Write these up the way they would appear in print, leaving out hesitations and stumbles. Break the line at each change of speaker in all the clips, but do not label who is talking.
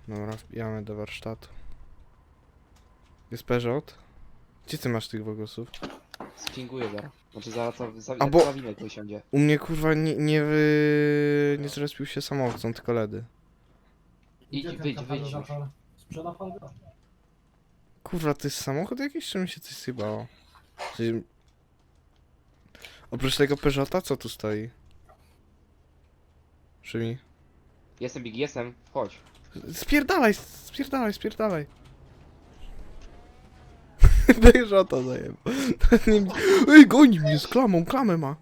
Dobra, wbijamy do warsztatu. Jest Peugeot? Gdzie ty masz tych wogosów?
Spinguję zaraz. Znaczy zaraz
A
jak
bo-
zawinek wysiądzie.
U mnie kurwa nie zrespił się samochód, są tylko LEDy.
Idź, wyjdź już.
Sprzeda pan go?
Kurwa, to jest samochód jakiś, czy mi się coś zjebało? Czyli... Oprócz tego Peugeota, co tu stoi? Szymi?
Jestem Big, jestem. Chodź.
Spierdalaj, spierdalaj, spierdalaj. Peugeota zajebał. Ej, goni mnie z klamą, klamę ma.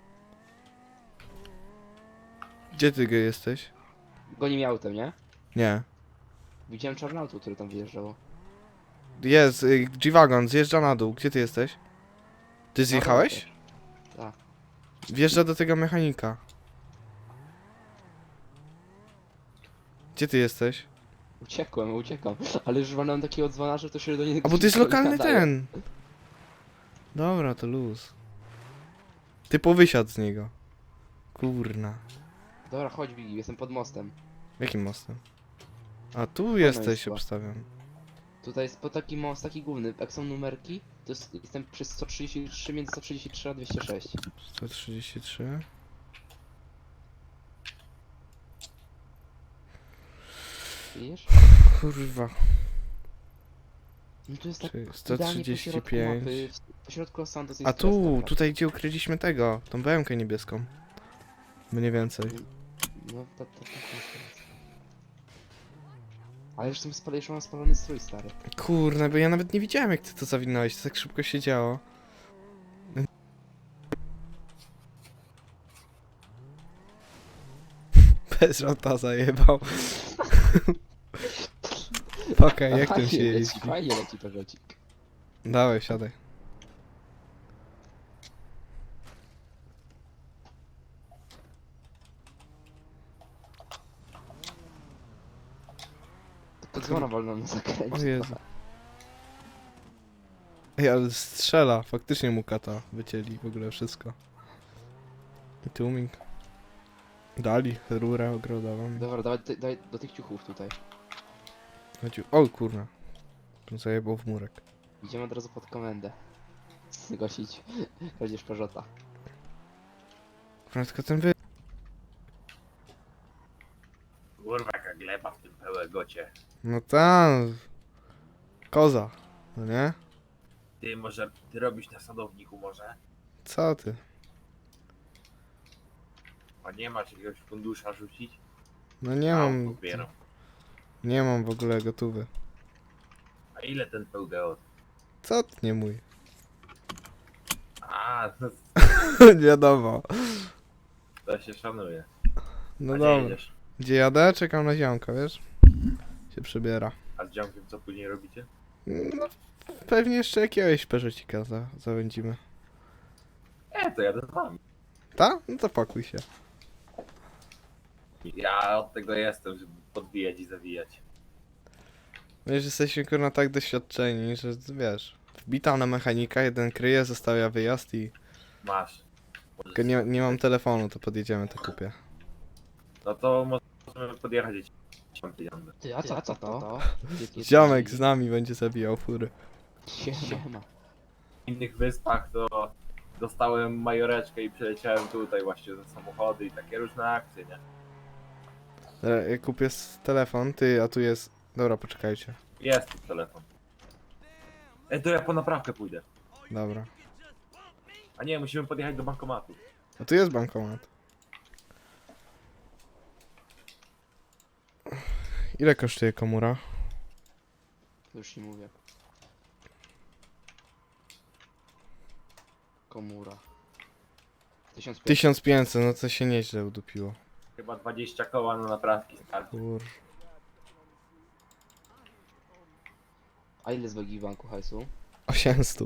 Gdzie ty jesteś?
Goni mnie autem, nie?
Nie.
Widziałem czarne auto, które tam wyjeżdżało.
Jest, G-Wagon, zjeżdża na dół. Gdzie ty jesteś? Ty zjechałeś?
Tak.
Wjeżdża do tego mechanika. Gdzie ty jesteś?
Uciekam. Ale już mam takiego dzwona, że to się do niego
A bo to jest
szybko
lokalny
nadaje.
ten. Dobra, to luz. Ty powysiadł z niego. Kurna.
Dobra, chodź Big, jestem pod mostem.
Jakim mostem? A tu jesteś,
jest chyba.
obstawiam.
Tutaj jest po taki most, taki główny. Jak są numerki, to jestem przy 133, między 133 a 206.
133.
Widzisz?
Kurwa.
No to jest tak
Czyli
idealnie po środku
135.
mapy, po środku Los Santos jest
A tu,
strefka.
tutaj gdzie ukryliśmy tego, tą BM-kę niebieską. Mniej więcej.
No, to. Ale już mam spalony strój, stary.
Kurna, bo ja nawet nie widziałem jak ty to zawinąłeś, to tak szybko się działo. Bez żota zajebał. Okej, jak tym się jeździ?
Fajnie leci Peugeotik.
Dawaj, siadaj.
To dzwona wolno na zakręcie.
O Jezu. Ej, ale strzela, faktycznie mu kata wycięli w ogóle wszystko. I tłumik. Dali rurę ogrodową.
Dobra, dawaj do tych ciuchów tutaj.
Chodził. O kurna. Zajebał w murek.
Idziemy od razu pod komendę. Zgłosić kradzież Peugeota.
Kurna, tylko ten wy...
Kurwa, jaka gleba w tym pełegocie.
No tam... Koza. No nie?
Ty może, ty robisz na sadowniku może?
Co ty?
A nie masz jakiegoś fundusza rzucić?
No nie mam...
Popieram.
Nie mam w ogóle gotówy.
A ile ten pełgeot?
Co ty nie mój?
A,
Wiadomo.
to się szanuje.
No
A gdzie
dobra.
jedziesz?
Gdzie jadę? Czekam na ziomka, wiesz? Się przebiera.
A z dziomkiem co później robicie?
No, pewnie jeszcze jakiegoś peżecika zawędzimy.
To jadę z wami.
Ta? No to pakuj się.
Ja od tego jestem, żeby podbijać i zawijać.
Wiesz, jesteśmy kurna tak doświadczeni, że wiesz... Wbita na mechanika, jeden kryje, zostawia wyjazd i...
Masz.
Tylko nie mam telefonu, to podjedziemy, to kupię.
No to możemy podjechać i mam pieniądze.
Ty, a co to?
Ziomek z nami będzie zabijał fury.
Siema.
W innych wyspach to dostałem majoreczkę i przyleciałem tutaj właśnie za samochody i takie różne akcje, nie?
Ja kupię telefon, ty, a tu jest... Dobra, poczekajcie.
Jest tu telefon. To ja po naprawkę pójdę.
Dobra.
A nie, musimy podjechać do bankomatu.
A tu jest bankomat. Ile kosztuje komura?
Już nie mówię. Komura. 1500.
1500, no to się nieźle udupiło.
Chyba 20 koła na naprawki starczy.
Kur...
A ile z wagi w banku hajsu?
800.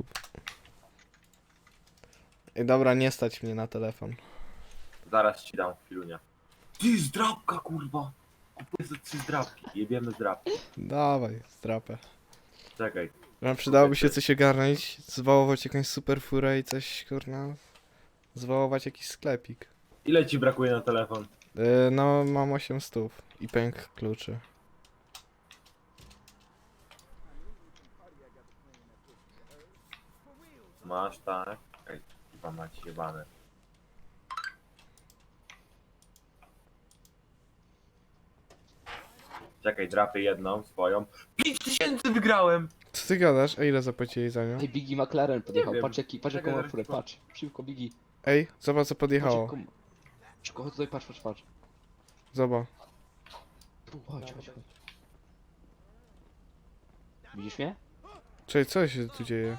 Ej, dobra, nie stać mnie na telefon.
Zaraz ci dam chwilunia. Ty zdrabka kurwa! Kupuję za 3 zdrabki. Jebiemy zdrabki.
Dawaj, strapę.
Czekaj.
Nam przydałoby się coś ogarnąć, zwołować jakąś super furę i coś, kurna... Zwołować jakiś sklepik.
Ile ci brakuje na telefon?
No, mam 800 i pęk kluczy.
Masz, tak? Ej, chyba macie jebane. Czekaj, drapy jedną swoją. 5000 wygrałem!
Co ty gadasz? A ile zapłacili za nią?
Ej, Biggie McLaren podjechał,
wiem.
patrz jaką
Czekaj,
ma
zaraz
furę,
ci
patrz. Szybko, Biggie.
Ej, zobacz co
Patrz
podjechało.
jaką... Szybko, chodź tutaj, patrz.
Zobacz.
Tu, chodź. Widzisz mnie?
Czekaj, co się tu dzieje?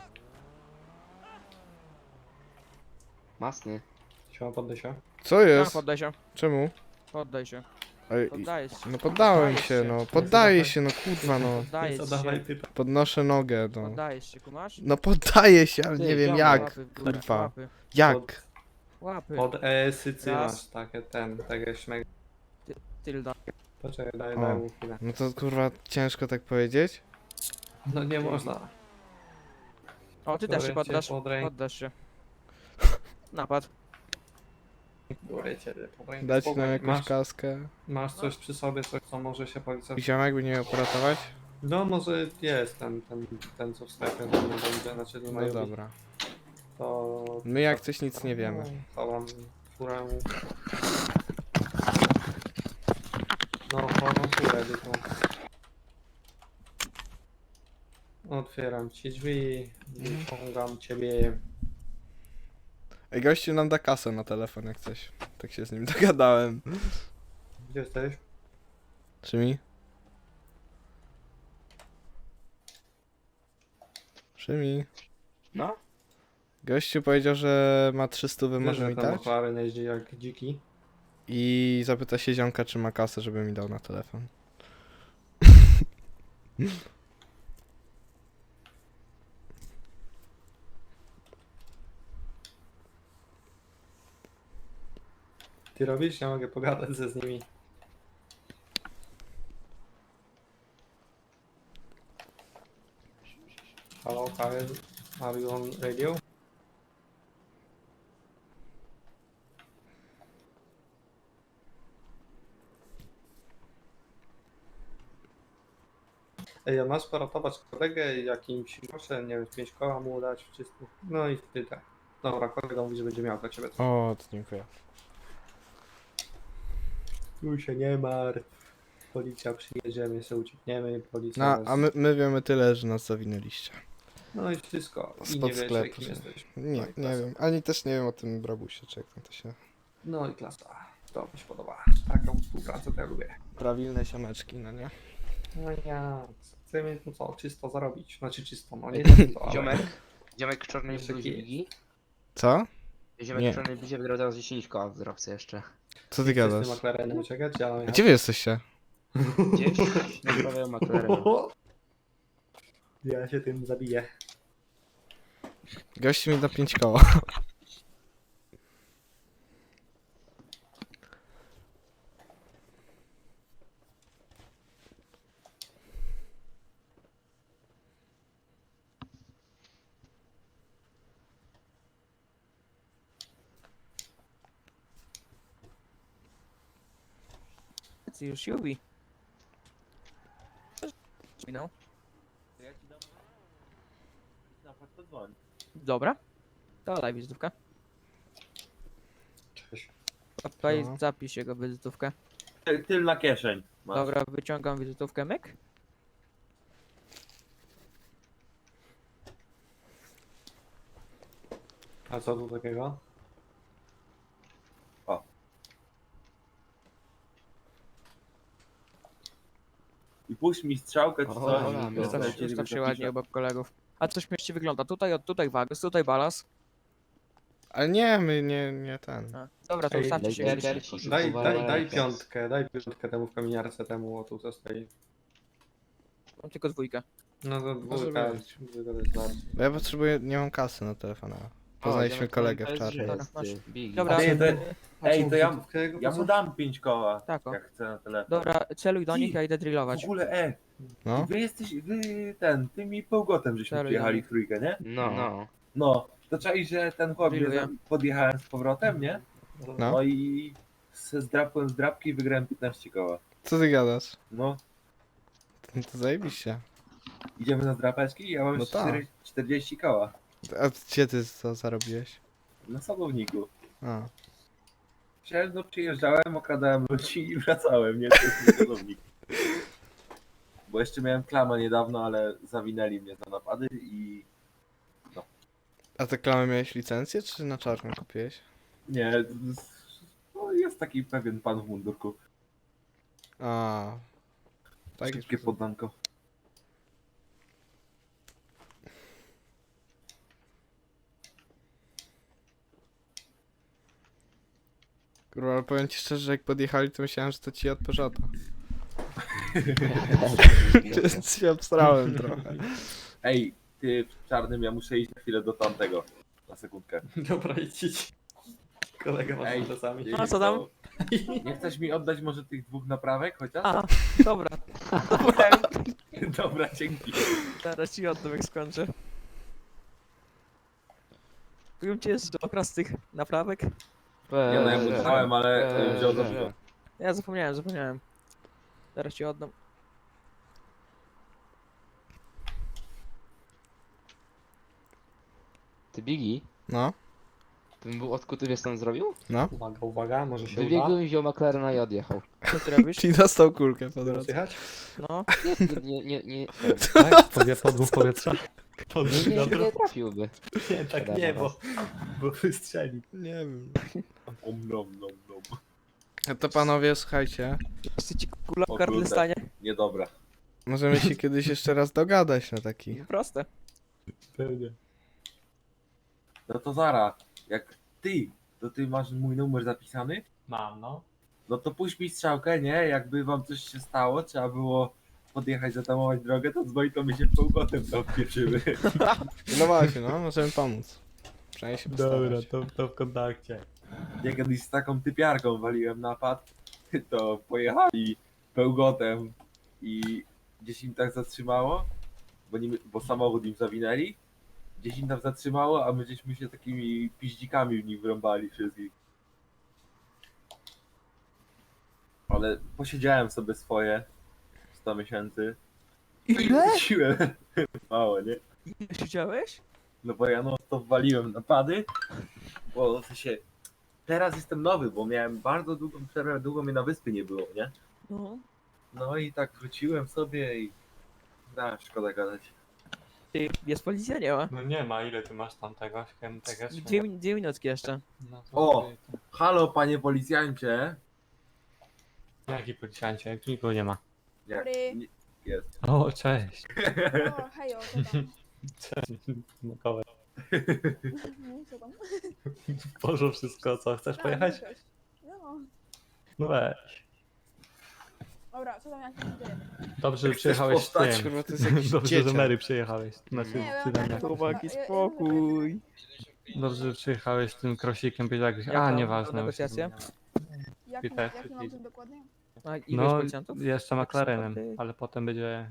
Masny.
Siema, poddaj się.
Co jest?
Poddaj się,
Czemu?
poddaj się.
Ej,
Poddajesz się.
no poddałem
Poddajesz
się, no. Poddaję się, no kurwa, no.
Poddajesz
Co dawaj
się.
typa.
Podnoszę nogę, no.
Poddajesz się, kumasz?
No poddaję się, ale
Ty,
nie wiem
ziomek,
jak.
Łapy w górę,
Kurwa.
Łapy.
Jak?
Łapy.
Od ESY
Raz.
masz takie takie śmeg.
Tylda.
Poczekaj,
O.
daj mu chwilę.
No to kurwa ciężko tak powiedzieć?
No nie można.
O, ty też się
Biorę cię
poddasz.
pod rękę.
Poddasz się. Napad.
Biorę cię pod rękę.
Dać nam
Spokojnie.
jakąś
masz,
kaskę?
masz coś przy sobie, coś co może się policja...
Ziomek by nie miał poratować?
No może jest ten co w sklepie, to nie będzie, znaczy to
No
mają być,
dobra.
to...
My jak coś nic nie wiemy.
To mam furę... No, chorą furę tylko. Otwieram ci drzwi, wyciągam ciebie.
Ej, gościu nam da kasę na telefon jak coś. Tak się z nim dogadałem.
Gdzie jesteś?
Czy mi? Szymi.
No?
Gościu powiedział, że ma 300
Wiesz,
może
że
mi
ten
dać
McLaren jeździ jak dziki.
i zapyta się ziomka, czy ma kasę, żeby mi dał na telefon.
Ty robisz? Ja mogę pogadać z nimi. Hello, Kyle. Are you on radio? Ej, a masz poratować kolegę jakimś groszem, nie wiem, 5 koła mu dać wszystko. No i tyle. Dobra, kolega mówi, że będzie miał dla ciebie.
O, to dziękuję.
Tu się nie martw. Policja przyjedzie, my sobie uciekniemy, policja
No,
nas...
a my wiemy tyle, że nas zawinęliście.
No i wszystko. I
Spod
nie wiesz,
sklepu,
jakim
że-
jesteś.
Nie,
No i
nie
klasa.
wiem. Ani też nie wiem o tym brabusie, czy jak tam to się...
No i klasa. To mi się podoba. Taką współpracę to ja lubię.
Prawilne siomeczki, no nie?
No ja chcemy tu co, czysto zarobić. Znaczy czysto, no nie to, ale...
Ziomek w czarnej
Jeszcze
bluzie,
kij.
Biggie.
Co?
Ziomek
Nie.
w czarnej bluzie wygrał teraz 10 koła w dropce jeszcze.
Co ty
Chcesz
gadasz?
tym McLarenem uciekać? Ja mam
A gdzie wy jesteście?
Gdzieś naprawiają McLaren.
Ja się tym zabiję.
Gościu mi da 5 koła.
Ty już Jubi. Minął.
Ja ci dam... Napad to dzwoń.
Dobra. To daj wizytówkę.
Cześć.
Tutaj
No.
zapisz jego wizytówkę.
Tylna kieszeń. Masz.
Dobra, wyciągam wizytówkę, myk.
A co tu takiego?
I puść mi strzałkę czy
O,
coś.
dobra,
i
no,
to
Ustaw,
lecieli
ustaw się
zapiszę.
ładnie obok kolegów. A coś śmiesznie wygląda. Tutaj, tutaj wagus, tutaj balans.
Ale nie, my nie ten.
A, dobra, to
Ej,
ustawcie się
daj-
gdzieś.
daj-
Daj piątkę temu w kominiarce, temu o tu co stoi.
Mam tylko dwójkę.
No to
Może
dwójka,
być.
dwójka to jest bardzo.
Bo ja potrzebuję, nie mam kasy na telefona. Poznaliśmy
ziomek
kolegę w
to jest
czarnej.
Dobra, masz.
Biggie.
Dobra.
Ej, ej, to ja,
Jego
ja mu dam 5 koła,
Tak, o.
jak chcę na telefon.
Dobra, celuj do
Ci.
nich, ja idę
W
drillować.
ogóle,
No?
wy jesteś, tymi połgotem żeśmy
Serio?
przyjechali w trójkę, nie?
No.
No, to czai, że ten chłop mnie
Drilluję.
podjechałem z powrotem, nie?
No.
No i zdrapłem z drapki i wygrałem 15 koła.
Co ty gadasz?
No,
No to zajebiście.
idziemy na zdrapeczki i ja mam
No
już
tak.
40 koła.
A gdzie ty to zarobiłeś?
Na sadowniku.
A.
Przyjeżdżałem, okradałem ludzi i wracałem, nie? To jest mój sadownik. Bo jeszcze miałem klamę niedawno, ale zawinęli mnie za napady i...
A te klamy miałeś licencję, czy na czarno kupiłeś?
Nie, no jest taki pewien pan w mundurku.
A. Tak
Szybkie poddanko.
Kurwa, ale powiem ci szczerze, że jak podjechali, to myślałem, że to ci od Peugeota. Więc się obstrałem trochę.
Ej, ty w czarnym, ja muszę iść na chwilę do tamtego. Na sekundkę.
Dobra, idź. Kolega masz
Ej,
czasami.
A co tam?
Nie chcesz mi oddać może tych dwóch naprawek chociaż?
A, dobra.
Dobra, dzięki.
Zaraz ci oddam jak skończę. Mówiłem ci jeszcze okras tych naprawek?
Nie no, ja mu dałem, ale wziął za dużo.
Ja zapomniałem. Zaraz ci oddam.
Ty Bigi,
No,
ten był odkuty, wiesz co on zrobił?
no.
Uwaga, uwaga, może się uda.
Wybiegł i wziął McLarena i odjechał.
Co ty robisz?
Czyli dostał kulkę po drodze.
Słychać?
No.
Nie
Tak, podmuch powietrza.
nie trafiłby.
Nie, tak nie, bo wystrzeli.
Nie wiem.
Nom.
A to panowie, słuchajcie.
Jeszcze ci kula
O
w gardle
kurde.
stanie.
Niedobra.
Możemy się kiedyś jeszcze raz dogadać na taki.
Proste.
Pewnie.
No to Zara, jak ty masz mój numer zapisany?
Mam, no.
No to puść mi strzałkę, nie? Jakby wam coś się stało, trzeba było podjechać, zatamować drogę, to dzwoni, to my się półkotem to odpieprzymy.
No właśnie, no, możemy pomóc. Przynajmniej się postarać.
to w kontakcie.
Ja kiedyś z taką typiarką waliłem napad, to pojechali pełgotem i gdzieś im tak zatrzymało, bo samochód im zawinęli, gdzieś im tam zatrzymało, a my żeśmy się takimi piździkami w nich wrąbali wszystkich. Ale posiedziałem sobie swoje 100 miesięcy.
Ile?
Wróciłem. Mało, nie?
Ile siedziałeś?
No bo ja no to waliłem napady, bo w sensie teraz jestem nowy, bo miałem bardzo długą przerwę, długo mnie na wyspy nie było, nie?
No.
No i tak wróciłem sobie i szkoda gadać.
Ty, jest policja? Nie ma.
No nie ma, ile ty masz tam tego?
Dwie minutki jeszcze.
No to
O! Halo panie policjancie!
Jaki policjancie? Jak tu nikogo nie ma.
Jak,
Dobry.
nie, jest.
O, cześć.
O, hejo, co tam?
Cześć. Makowe.
No, co tam?
Poszło wszystko, co? Chcesz pojechać?
Cześć. No,
No weź.
dobra, co tam jak się dzieje?
Dobrze, że
Chcesz
przyjechałeś z
postać?
tym.
Kurwa, to jest jakiś
Dobrze, że
dzieciak.
Mary przyjechałeś. Znaczy,
Nie, ja
ty
tak-
jak.
Chłopaki,
Ja- ja-
spokój.
Dobrze, że przyjechałeś z tym krosikiem, jakbyś.
Jak
A,
tam
nieważne.
negocjacje?
Jaki mam tym dokładnie?
A ile
No,
policjantów?
jeszcze McLarenem,
Ty.
ale potem będzie.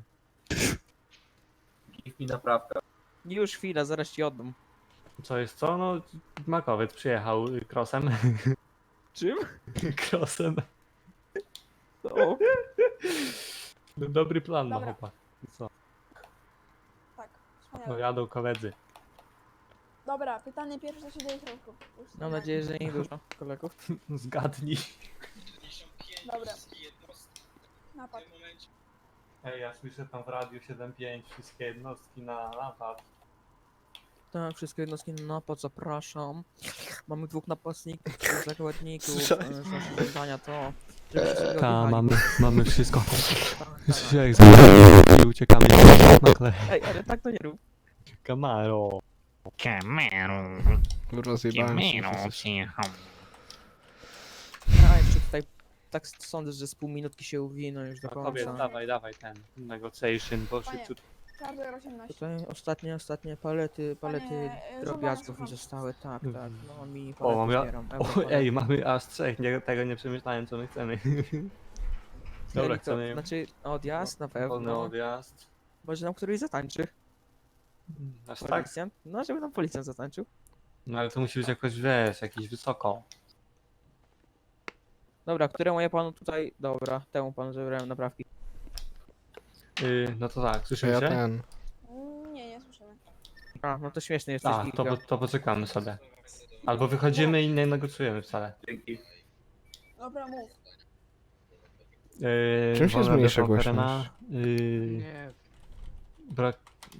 Give mi naprawkę.
Już chwila, zaraz ci oddam.
Co jest co? No, Makowiec przyjechał crossem.
Czym?
Crossem.
No.
No, dobry plan ma
Dobra.
chłopak. Co?
Tak,
No
wspaniale.
jadą koledzy.
Dobra, pytanie pierwsze, co się dzieje w środku? Już
Mam nadzieję, że nie dużo kolegów.
Zgadnij.
Dobra. Napad.
Ej, ja słyszę tam w radiu 7.5 wszystkie jednostki na napad.
Tak, wszystkie jednostki na napad, zapraszam. Mamy dwóch napastników, trzech zakładników.
Słyszałeś?
Nasze zadania to... żeby wszystkiego
Ta,
odjechali.
mamy wszystko.
Tak, tak.
Słyszę jak z i uciekamy nagle.
Ej, ale tak to nie rób.
Camaro.
Kurwa, zjebałem się.
Ja jeszcze tutaj tak sądzę, że z pół minutki się uwiną już do
Kobiet,
końca.
dawaj ten negotiation, bo
Panie,
szybciutko.
Charger 18.
Tutaj ostatnie palety
Panie,
drobiazgów mi
słucham.
zostały, tak, tak. No mi
O, mam ja...
zbieram.
O, ej, mamy aż trzech, tego nie przemyślałem co my chcemy. Dobra, chcemy
Znaczy odjazd na
wolny
pewno.
odjazd.
Może nam któryś zatańczy.
Aż tak?
Policjant? No, żeby nam policjant zatańczył.
No ale to musi być jakoś, wiesz, jakiś wysoko.
Dobra, któremu ja panu tutaj... Dobra, temu panu zabrałem naprawki.
No to tak,
Czy
słyszymy
ja
się?
ten.
Nie, nie słyszymy.
A, no to śmieszny jesteś,
A,
Kiko.
to poczekamy sobie. Albo wychodzimy i nie negocjujemy wcale.
Dzięki.
Dobra, mów.
Czym się
wolna
zmniejsza
depo terena,
głośność?
Nie.
Brak...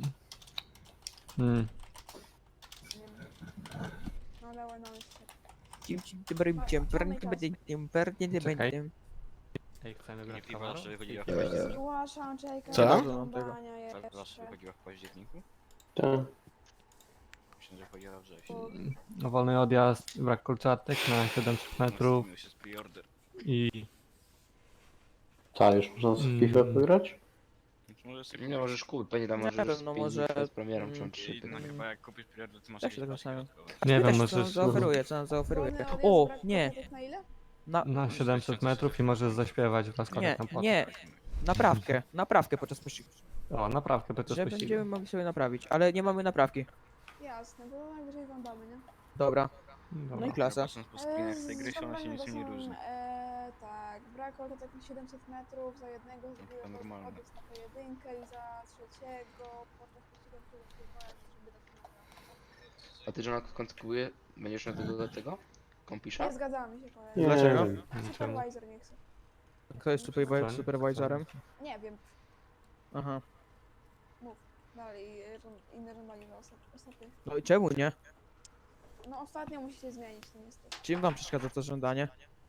No dawaj, no jeszcze.
Czekaj. Ej, chcemy grać kamerą?
Zgłaszam, czekaj.
Co?
Żądania jeszcze.
wychodziła w październiku?
Tak.
Myślę, że chodziła wrześniu.
No, wolny odjazd, brak kolczatek na 700 metrów
Nastąpił się z preorder.
i...
Tak, już można
Mm.
FIFA wygrać?
Może sobie
Nie możesz kupić, pewnie tam
Nie
możesz
wiem,
z
no
5
może,
przed premierą czy
mm,
3
no chyba jak kupisz preorder, to masz
Jak się
jakieś
tego
paczki
stawiam?
dodatkowe.
Nie wiem,
Wiesz, co nam
możesz
zaoferuje, co nam zaoferuje.
Wolny odjazd,
O,
brak
nie,
kolczatek na ile?
na 700 metrów i możesz zaśpiewać w laskach na płot.
nie, naprawkę podczas pościgu.
O, naprawdę, to
Że
jest
będziemy mogli sobie naprawić, ale nie mamy naprawki.
Jasne, bo najwyżej wam damy, nie?
Dobra,
Dobra.
no i klasa.
Patrząc po screenach z tej gry, się ona się niczym nie różni.
Tak, brak kolczatek na 700 metrów, za jednego zbiórę
normalne.
odjazd na pojedynkę i za trzeciego podczas pościgu, który wpływałem, żeby dać naprawkę.
A ty, John, kontynuuje, będziesz miał tego do tego? Kompisza?
Nie zgadzamy się, kolega.
Nie
Dlaczego?
wiem.
Czemu?
Supervisor nie chce.
Kto jest supervisorem?
Nie wiem,
Aha.
dalej, inne żądanie za ostatnie.
No i czemu nie?
No ostatnio musicie zmienić to niestety.
Czym wam przeszkadza to żądanie?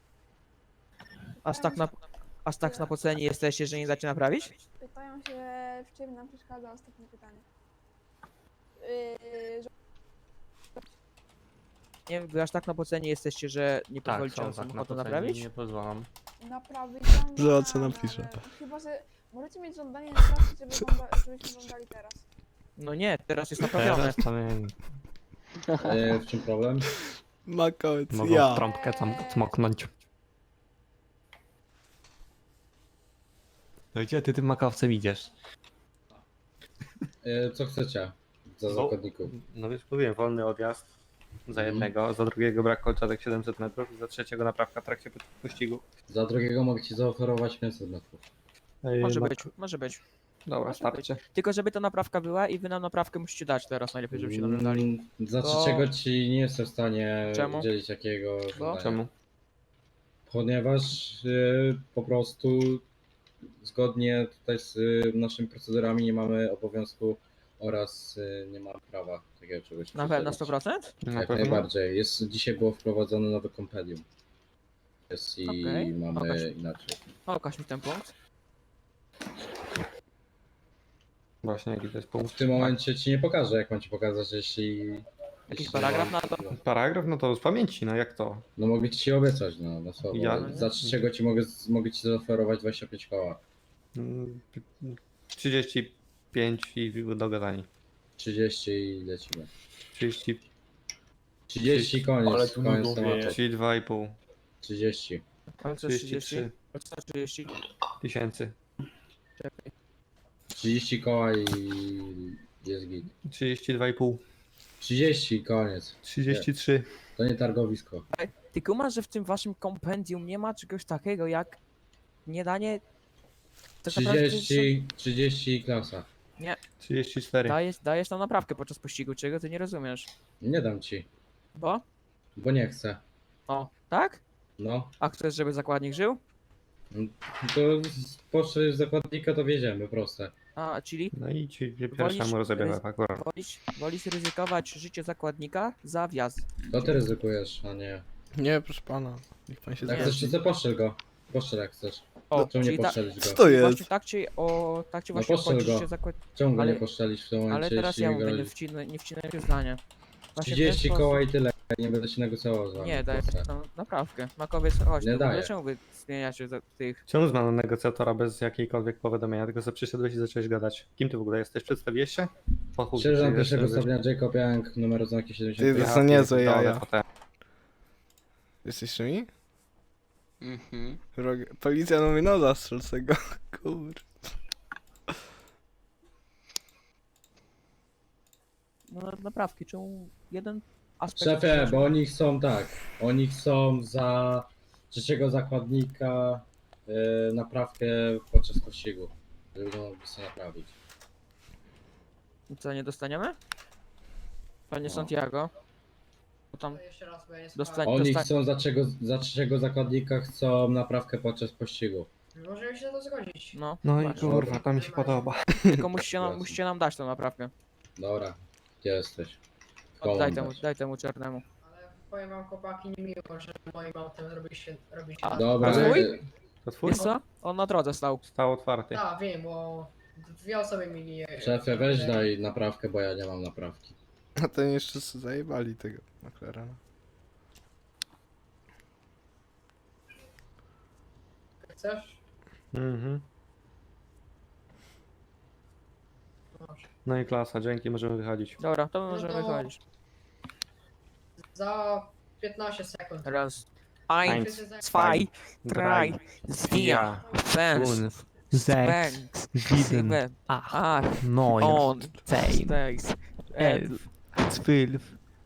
Aż tak na poceni jesteście, że nie dacie naprawić?
Pytają się, w czym nam przeszkadza ostatnie pytanie. Że
Nie wiem, wy aż tak na poceni jesteście, że nie
Tak,
pozwolicie
są
nam
tak na
samochodu
poceni,
naprawić?
nie pozwalam.
naprawić
Zobacz, co
żądamy,
napisze.
ale Chyba, że możecie mieć żądanie naprawić, żebyśmy żądali teraz.
No nie, teraz jest naprawione.
Teraz to nie...
W czym problem?
Makowiec,
Mogą
ja.
trąbkę tam cmoknąć. No gdzie ty tym makowcem idziesz?
Co chcecie za
No.
zakładników?
No wiesz, mówiłem, wolny odjazd za jednego, za drugiego brak kolczatek 700 metrów i za trzeciego naprawka w trakcie pościgu.
Za drugiego mogę ci zaoferować 500 metrów.
Może być, może być.
Dobra,
Może
starczy.
Tylko żeby ta naprawka była i wy nam naprawkę musicie dać teraz, najlepiej żebyście nam ją dali.
Za
To-
trzeciego ci nie jestem w stanie
Czemu?
udzielić jakiego żądania.
Czemu?
Ponieważ po prostu zgodnie tutaj z naszymi procedurami nie mamy obowiązku oraz nie mamy prawa takiego czegoś
Na pewno
przydzielić.
100%?
Na
Jak
pewno?
najbardziej. Dzisiaj było wprowadzone nowe kompendium. Jest i
Okej,
mamy
pokaż.
inaczej.
Pokaż mi ten punkt.
Właśnie, jaki to jest punkt?
W tym momencie ci nie pokażę, jak mam ci pokazać, jeśli...
Jakiś
jeśli
paragraf
mam-
na to?
Paragraf? No to z pamięci, no jak to?
No mogę ci obiecać, no, na słowo.
Ja-
Za trzeciego mogę ci zaoferować 25 koła.
35 i dogadani.
30 i lecimy.
30,
30 koniec,
Ale tu
koniec
nudno
tematu.
wieje.
32,5.
30.
Ale co 30?
33
Co 30?
tysięcy.
Czekaj.
30 koła i jest git.
32,5.
30 koniec.
33.
To nie targowisko.
Ty kumasz, że w tym waszym kompendium nie ma czegoś takiego jak nie danie... Tak naprawdę,
30 klasa.
34.
dajesz nam naprawkę podczas pościgu, czego ty nie rozumiesz.
Nie dam ci,
Bo?
bo nie chcę.
O, tak?
No,
A chcesz, żeby zakładnik żył?
to poszły zakładnika to wiedziemy, proste.
A, czyli
No i ci
Wolisz-
pierwszemu rozebiera akurat.
wolisz ryzykować życie zakładnika za wjazd.
To ty ryzykujesz, a nie.
Nie, proszę pana. Niech pan się
Jak
Nie.
chcesz,
zgadzi.
to poszczel go. Poszczel jak chcesz.
O,
Czemu nie
czyli
poszczelić
Co
go?
to jest?
właśnie tak ci
No
właśnie
postrzel
obchodzi
go.
życie zakładnika.
Czemu go
ale-
nie poszczelić w tym momencie,
Ale teraz
jeśli
ja
mi
mówię,
grozi?
nie wcinaj się zdanie. Właśnie w ten
30
sposób-
koła i tyle. Nie będę się negocjował z wami.
Nie, daj,
proste.
no, naprawdę. Makowiec, chodź,
Nie
tu, w ogóle
daję.
czemu wy zmieniacie tych...
Czemu znano negocjatora bez jakiejkolwiek powiadomienia, tylko że przyszedłeś i zacząłeś gadać? Kim ty w ogóle jesteś? Przedstawiłeś się? Po chuj,
Sierżant
ty
pierwszego
jesteś-
stopnia Jacob Young, numer oznaki
Ty
70.
za niezłe
pierdolę,
jaja.
potem.
Jesteś mi?
Mhm.
Policja mówi, no zastrzel se go. Kur...
No, naprawki, czemu jeden aspekt...
Szefie, bo oni chcą tak. Oni chcą za trzeciego zakładnika naprawkę podczas pościgu. Żeby go mogli sobie naprawić.
Co, nie dostaniemy? Panie Santiago. Bo tam
Jeszcze raz, bo ja nie
dostanie.
Oni chcą za trzeciego zakładnika chcą naprawkę podczas pościgu.
Możemy się na to zgodzić.
No,
No i
właśnie.
kurwa, to mi się podoba.
Tylko musicie nam dać tą naprawkę.
Dobra, gdzie jesteś?
Daj
Komu
temu,
dać?
daj temu czarnemu.
Ale powiem wam chłopaki, nie miło, że moim autem robiliście...
Dobra,
Twój?
To twój?
Wiesz co? On na drodze stał.
Stał otwarty.
Tak, wiem, bo dwie osoby mieli...
szefie, weź daj naprawkę, bo ja nie mam naprawki.
A ten jeszcze zajebali tego McLarena.
Chcesz?
Mhm.
Masz.
No i klasa, dzięki, możemy wychodzić.
Dobra, to my możemy
No to-
wychodzić.
Za 15 sekund.
Raz. Ein,
Wszyscy za-
zwei, drei, vier, fünf, sechs, sieben, acht, 9, 10, 11.
12,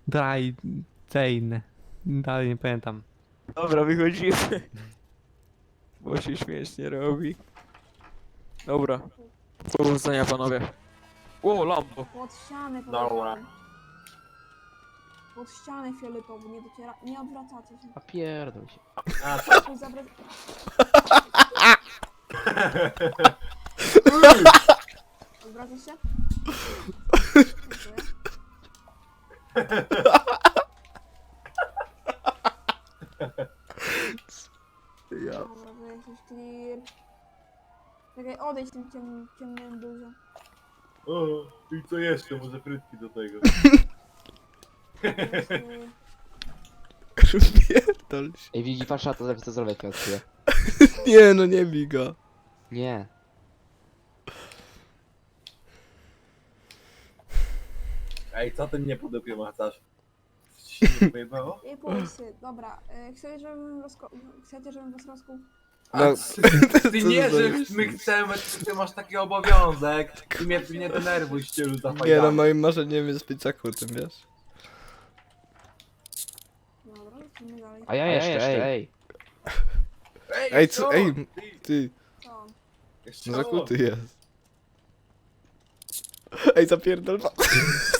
13. Dalej nie pamiętam.
Dobra, wychodzimy. Bo się śmiesznie robi. Dobra. Powodzenia panowie. O, lampo.
Pod ścianę
Dobra.
powiedziałem. Pod ścianę fioletową, nie dociera... Nie odwracacie się.
A pierdol się.
Tu zawrac... Odwracasz się? Dziękuję.
Ja.
Dobra, to jesteś clear. Czekaj, odejdź tym ciemnym dużo.
O, i co jeszcze? Może frytki do tego.
Pierdol się.
Ej, Wigi, patrz na to, to zrobię jak odkryję.
Nie no, nie bij go.
Nie.
Ej, co ty mnie po dupie macasz? Coś ci się nie pojebało?
Nie bój się, dobra. Chcecie, żebym was rozkuł?
A
No,
ty
co
nie,
za
że
myśl?
my chcemy, ty masz taki obowiązek. Ty mnie denerwuj, ścielu za
Nie no,
fajami.
moim marzeniem jest być zakłutym, wiesz?
Dobra, lecimy dalej.
A ja jeszcze, ej.
Ej, co,
co?
ej, ty,
Co?
Jeszcze
no zakuty jest. Ej, zapierdol.